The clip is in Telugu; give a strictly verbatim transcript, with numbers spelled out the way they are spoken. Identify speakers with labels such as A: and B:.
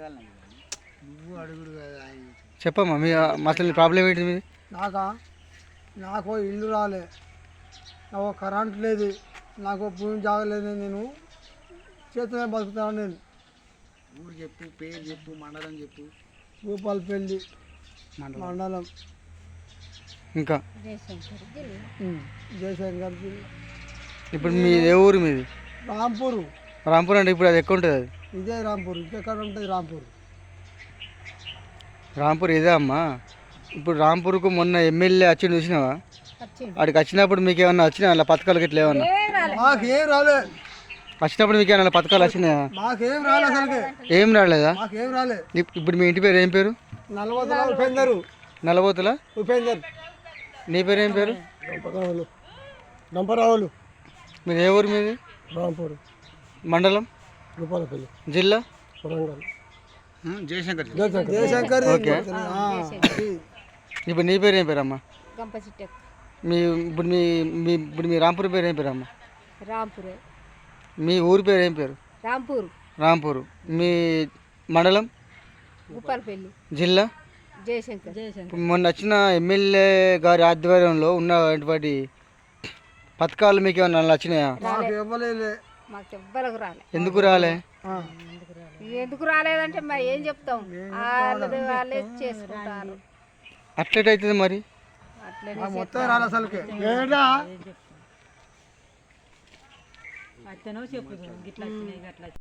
A: నువ్వు అడుగుడు కదా
B: చెప్పమ్మా మీ అసలు ప్రాబ్లం ఏంటి మీది?
A: నాకా నాకు ఇల్లు రాలే, నాకు కరెంట్ లేదు, నాకు భూమి జాగలేదు, నేను చేతనే బతుకుతాను. నేను
C: ఊరు చెప్పు, పేరు చెప్పు, మండలం చెప్పు.
A: భూపాలపల్లి మండలం,
B: ఇంకా
A: జయశంకర్ జిల్లా.
B: ఇప్పుడు మీ ఏ ఊరు మీది?
A: రాంపూర్.
B: రాంపూర్ అంటే ఇప్పుడు అది ఎక్కడ ఉంటుంది? అది
A: ఇదే రాంపూర్. ఇంకెక్కడ ఉంటుంది రాంపూర్?
B: రాంపూర్ ఇదే అమ్మా. ఇప్పుడు రాంపూర్కు మొన్న ఎమ్మెల్యే వచ్చి చూసినావా? అక్కడికి వచ్చినప్పుడు మీకు ఏమన్నా వచ్చినా అలా పథకాలు గిట్ల ఏమన్నా?
A: మాకేం రాలే.
B: వచ్చినప్పుడు మీకు ఏమన్నా పథకాలు వచ్చినాయా?
A: మాకేం రాలే, అసలు
B: ఏం రాలేదా?
A: మాకేం రాలే.
B: ఇప్పుడు మీ ఇంటి పేరు ఏం పేరు?
A: నలబోతుల ఉపేందర్.
B: నలబోతుల
A: ఉపేందర్.
B: నీ పేరు ఏం పేరు?
A: రంపరావులు. రంపరావులు.
B: మీరు ఏ ఊరు మీది?
A: రాంపూర్
B: మండలం?
A: భూపాలపల్లి.
B: జిల్లా?
A: వరంగల్.
C: జయశంకర్.
A: జయశంకర్.
B: ఓకే. ఇప్పుడు నీ పేరు ఏం పేరు అమ్మా? మీ ఇప్పుడు మీ మీ ఇప్పుడు మీ రాంపూర్ పేరు ఏం పేరు అమ్మా?
D: రాంపూరే.
B: మీ ఊరి పేరు ఏం పేరు?
D: రాంపూర్.
B: రాంపూర్. మీ మండలం?
D: భూపాలపల్లి.
B: జిల్లా?
D: జయశంకర్. జయశంకర్.
B: మొన్న వచ్చిన ఎమ్మెల్యే గారి ఆధ్వర్యంలో ఉన్నటువంటి పథకాలు మీకు ఏమన్నా వచ్చినాయా?
D: మాకు ఎవ్వరకు రాలే.
B: ఎందుకు రాలే?
D: ఎందుకు రాలేదంటే మరి ఏం చెప్తాం, వాళ్ళది వాళ్ళే చేసుకుంటారు.
B: అట్లయితుంది మరి.
D: అట్లనే
A: మొత్తం రాలే అసలు.
E: అతను చెప్పు గిట్లా వచ్చినాయి గట్లా